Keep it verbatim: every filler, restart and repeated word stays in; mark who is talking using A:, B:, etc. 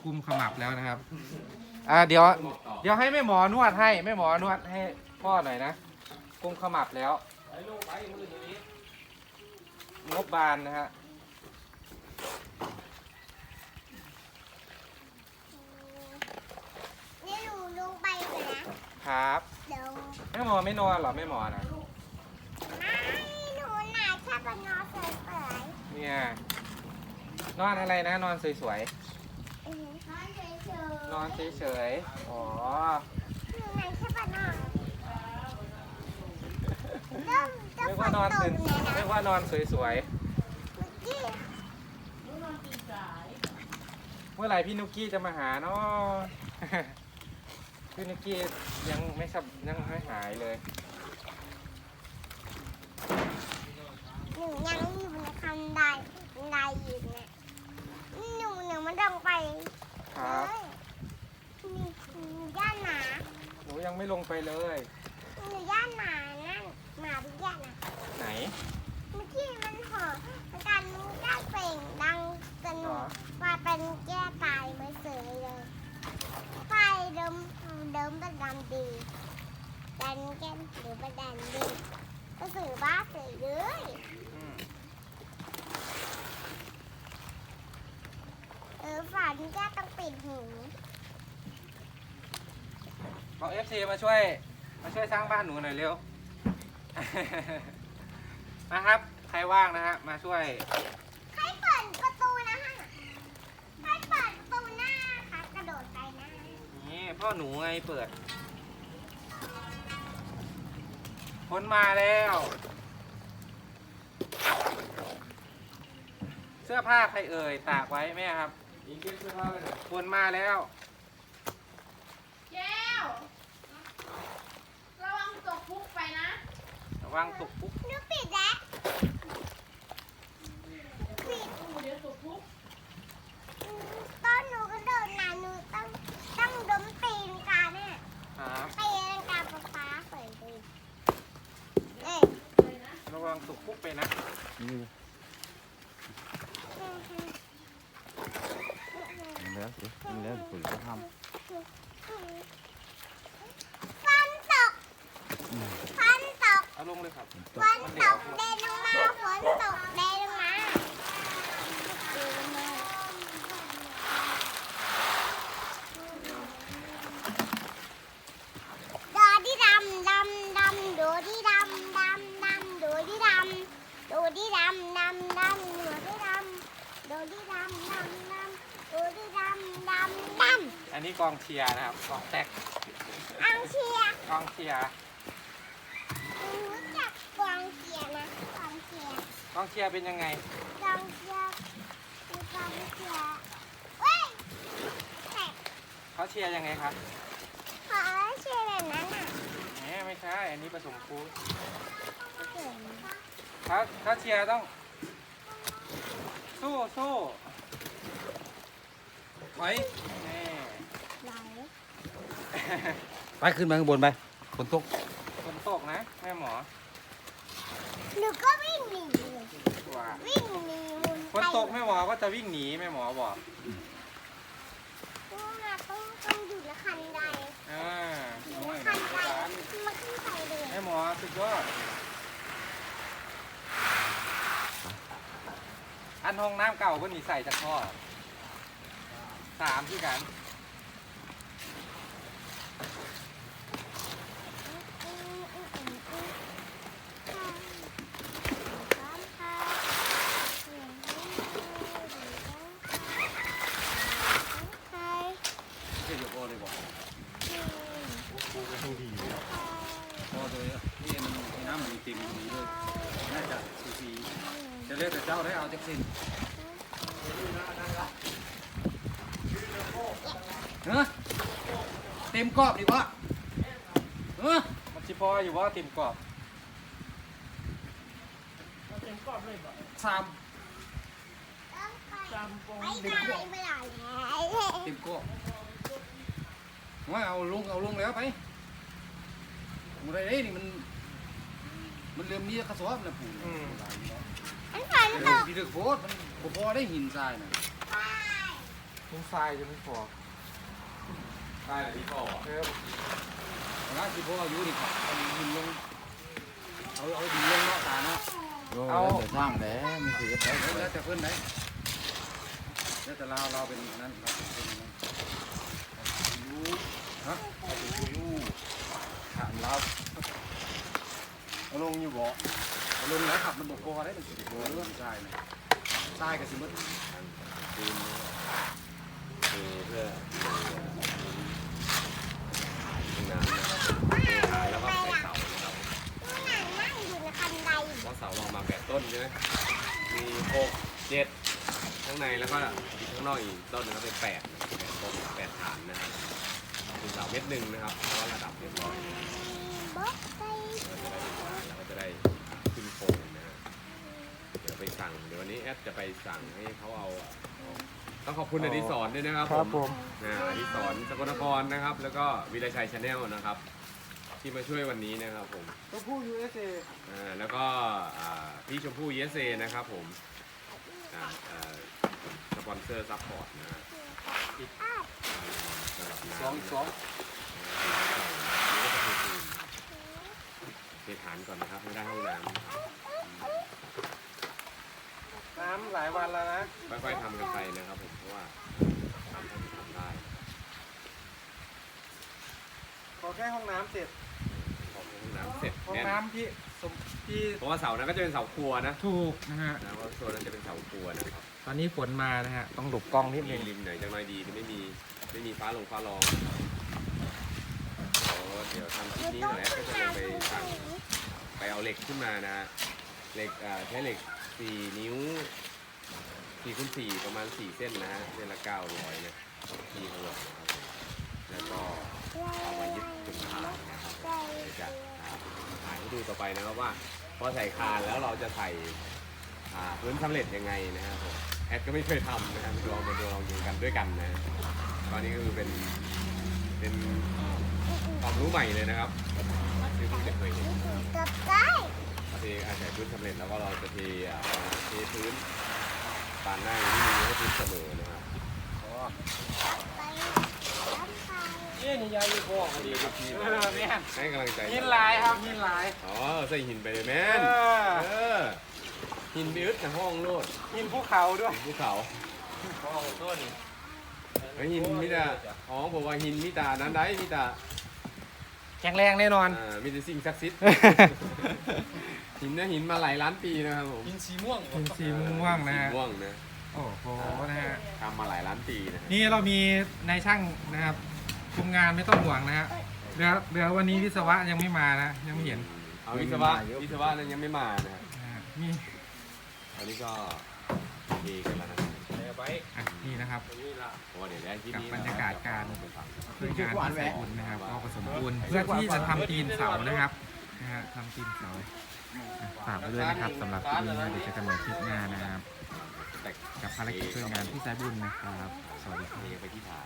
A: กุมขมับแล้วนะครับอ่าเดี๋ยวเดี๋ยวให้แม่หมอนวดให้แม่หมอนวดให้พ่อหน่อยนะกุมขมับแล้วงบบานนะฮะ
B: นี่หนูลงไปเลยนะครับเดี๋ยว
A: แม่หมอไม่นอนเหรอแม่หมอนะ
B: ไม่หนูหนาแค่บนนอนเฉยๆ
A: เนี่ยนอนอะไรนะนอนสวย
B: อือหือนอนเฉยๆ
A: ๆนอนเฉยๆอ๋อ
B: หนูหนาแค่บนนอนเริ่มจะ
A: เรียก
B: ฝ
A: ว่าน นอน
B: ต
A: ตื่
B: ก
A: น
B: เลยนะ
A: เรียกว่านอนสวย
B: เมื่อกี้
A: ๆเมื่อไหร่พี่นุกกี้จะมาหาเนาะ พี่นุกกี้ยังไม่สับยังไม่หายเลย
B: หนูยังอยู่ในคันไดบันไดอยู่เนี่ยหนูหนูมันลงไป
A: ครับ
B: เลยนี่หนูย่านหมา
A: หนูยังไม่ลงไปเลย
B: หนูย่านหมานั่นหมาพี่ย่านนะ
A: ไหน
B: เมื่อกี้มันหอนมันการมันได้เปล่งดังสนุ
A: อ๋อก
B: ว่าเป็นแก้ตายไม่เสยเลยไฟเดิมเดิมเป็นดำดีดันแก้มหรือเป็นดันดีก็สื่อบ้าสื่อเลย
A: อืม
B: เออฝันแก้ต้องปิดหู
A: บอกเอฟซีมาช่วยมาช่วยสร้างบ้านหนูหน่อยเร็ว นะครับใครว่างนะฮะมาช่วย
B: ใครเปิดประตูนะฮะใครเปิดประตูหน้าคะกระโดดไปหน้า
A: นี่พ่อหนูไงเปิดพ้นมาแล้ว เสื้อผ้าใครเอ่ยตากไว้แม่ครับยิงเก็บเสื้อผ้าเลยพ้นมาแล้ว
C: แก้ว ระวังตกพุกไปนะ
A: ระวังตกปุ๊บ
B: หนูปิดแล้วปิด
C: เดี๋ยวตกพุก
B: ตอนหนูกระโดดนะหนูต้องต้องดมตีนกาเนี่ย
A: ครับ
B: ตีนกาฟ้าฟ้าเปิดดูเอ๊ะ
A: ระวังตกปุ๊บไปนะ
D: แล้วสิแล้วปุ๋ยก็ท
B: ฟันตกฟันตก
A: เอาลงเลยครับ
B: ฟันตกเดนลงมาฝนตกเดนลงมาดอดีดำดำดำดูดีดำดำดำดูดีดำดูดีดำดำดำดูดีดำดูดีดำดำดำดูดีดำดำดำ
A: อันนี้กองเชียร์นะครับกองแตก
B: อังเชียร์
A: กองเชียร์
B: รู้จักกองเชียร์นะกองเชียร์
A: กองเชียร์เป็นยังไง
B: กองเชียร์คือกองเชียร์เว้ยแขก
A: เขาเชียร์ยังไงครับ
B: ขอเชียร์แบบนั้นอ่ะ
A: แหมไม่ใช่ อันนี้ผสมฟูด
B: เก่ง
A: เขาเขาเชียร์ต้อง สู้สู้ถอยนี่
B: ไหล
D: ำไปขึ้นมาข้างบนไปฝนตก
A: ฝนตกนะแม่หมอ
B: หนูก็วิ่งหนีเลย
A: ว่า
B: วิ่งหนีมุน
A: ฝนตกแม่หมอก็จะวิ่งหนีแม่หมอบอก
B: ต้องมาต้องต้องอยู่ในคันใด
A: อ่า
B: อยู่
A: น้อย
B: ในคั
A: นะ
B: นใดมาขึ้นไปเลย
A: แม่หมอสุดยอด อันห้องน้ำเก่าก็หนีใส่จากท่อสามที่กัน
B: อืมอืมอืมอืมค่ะพร้อมค่ะเสียงให้ดูดีต้องค่ะ
D: เดี๋ยวโอเลยบอก
A: ปูไปทั้งที
D: พอเลยนี่มันน้ำมันเต็มตรงนี้เลยน่าจะสีสีจะเลือกแต่เจ้าได้เอาแจ็คสินเฮ้เต็มกรอบดีวะเออ
A: มันชิพออยู่ว่าติ่มกรอบ
D: สาม
B: ไม่ได้ไม่ได้แล้ว
D: เต็มกรอบว่าเอาลงเอาลงแล้วไปมันอะไรนี่มันมันเริ่มมีกระสอบนะปู่
A: อืม
B: อันฝันตก
D: พี่ถึกโพดมันบ่พอได้หินทรายนะ
B: ไป
A: มุ้งทรายจะไม่พอ
E: ใช่เลยพี่พ่อ
A: เออ
D: นะที่พ่ออยู่ดิครับเอาดินลงเอาเอาดินลงเนาะตาเนาะ
A: เอา
F: แต่สร้างแล้วมันคือ
D: แล้วแล้วแต่เพิ่นไหนแล้วแต่เราเราเป็นนั้นเราเป็นนั้นอยู่ฮะเอาไปอยู่ถามเรา
F: เอาลงอยู่บ่
D: เอาลงแล้วขับมันบกพอได้ถึงสิบโลเรื่องใช่นะใช่กับสิมด
E: คืนคือเพื่อห้องน้ำนะครับขายแล้วก็ใส่เสานะครับ
B: นั่งนั่งอยู่ในคันได
E: เพราะเสาลองมาแปดต้นใช่ไหมมีหกเจ็ดข้างในแล้วก็อีกข้างนอกอีกต้นนะครับเป็นแปดนะแปดต้นแปดฐานนะครับมีเสาเม็ดหนึ่งนะครับเพราะว่าระดับเรียบร้อยนะ
B: บ๊อกไก่
E: เราก็จะได้ขึ้นโครงนะฮะเดี๋ยวไปสั่งเดี๋ยววันนี้แอดจะไปสั่งให้เขาเอาต้องขอบคุณอดิศรด้วยนะครับ
A: ครับผม
E: นะอดิศรสกลนครนะครับ แล้วก็วิไลชัยชาแนลนะครับ ที่มาช่วยวันนี้นะครับผม
A: ตัวผู้ ยู เอส เอ
E: อ่าแล้วก็อ่าพี่ชมพู่เยสเซนะครับผมอ่าอ่าสปอนเซอร์ซัพพอร์ตนะฮะสำหรับน้ำ
D: สองสอง
E: เทฐานก่อนนะครับไม่ได้ห้องน้ำ
A: น้ำหลายวันแล้วนะ
E: ค่อยๆทำกันไปนะครับผมเพราะว่าทำให้ทำได้
A: ขอแค่ห้องน้ำเสร็จ
E: พอห้องน้ำเสร็จ
A: ห้อง
E: แน่น
A: น้ำที่สมที่
E: เพราะว่าเสานั้นก็จะเป็นเสาครัวนะ
A: ถูกนะฮะ
E: นะเพราะส่วนนั้นจะเป็นเสาครัวนะครับ
A: ตอนนี้ฝนมานะฮะ ต้องหลบกล้องนิด
E: มี
A: นึง
E: ริมไหนจะไม่ดีที่ไม่มีไม่มีฟ้าลงฟ้าร้องเดี๋ยวทำคลิปนี้หน่อยก็จะลงไปสั่งไปเอาเหล็กขึ้นมานะฮะเหล็กอ่าใช้เหล็กสี่นิ้วสี่คูณสี่ประมาณสี่เส้นนะฮะเส้นละเก้าร้อยนะที่ทั้งหมดนะครับแล้วก็เอามายึดเป็นฐานนะครับเดี๋ยวจะถ่ายให้ดูต่อไปนะครับว่าพอใส่คานแล้วเราจะใส่อ่าพื้นสำเร็จยังไงนะครับผมแอดก็ไม่เคยทำนะครับลองมาดูลองดูกันด้วยกันนะตอนนี้ก็คือเป็นเป็นความรู้ใหม่เลยนะครับที่ผมไม่เคยเห็น
B: กับไก่
E: เราเทอาศัยพื้นสำเร็จแล้วก็เราจะเทอ่าเทพื้นปานหน้าอย่างนี้ให้พื้นเสมอนะครับ
B: ไก่กับไก่
A: เอ๊ะนี่ยายอยู่บ่อ
E: ดีครับพี่
A: เออแม่น
E: ให้กำลังใจ
A: ยินหลายครับยินหลาย
E: อ๋อใส่หินไปเลยแม่น
A: เออ
E: เออหินไปอึดในห้องโลด
A: ยินภูเขาด้วย
E: ภูเขา
A: ห้องต้น
E: เฮ้ยหินมิตาอ๋อผมว่าหินมิตานั้นได้มิตา
A: แข็งแรงแน่นอน
E: อ่ามีแต่สิ่งศักดิ์สิทธิ์ หินเนี่ยหินมาหลายล้านปีนะครับผม
A: หินสีม่วงหินสีม่วงนะ
E: สี
A: ฮะ
E: ม่วงนะ
A: โอ้โหนะฮะ
E: ทำมาหลายล้านปีนะฮะ
A: นี่เรามีนายช่างนะครับคุมงานไม่ต้องห่วงนะฮะเดี๋ยวเดี๋ยววันนี้วิศวะยังไม่มานะ ยังไม่เห็น
E: เอาวิศวะวิศวะนั้นยังไม่มานะฮะ
A: นะฮะนี่
E: อันนี้ก็เทกันแล้วนะ
A: อ่ะนี่นะครับ
E: เพราะว่าเดี๋ยวได้ที่
A: กับ
E: นี่
A: บรรยากาศการ
E: ไปฟัง
A: ช่วยงานที่ใส่บุญนะครับก็ผสมปูนเพื่อที่จะทำตีนเสานะครับนะฮะทำตีนเสาอ่ะฝากไว้ด้วยนะครับสำหรับคลิปนี้นะเดี๋ยวเจอกันใหม่คลิปหน้านะครับ
E: แต่
A: กับภารกิจช่วยงานที่สายบุญนะครับ สวัสดีครับ
E: เทไปที่ฐาน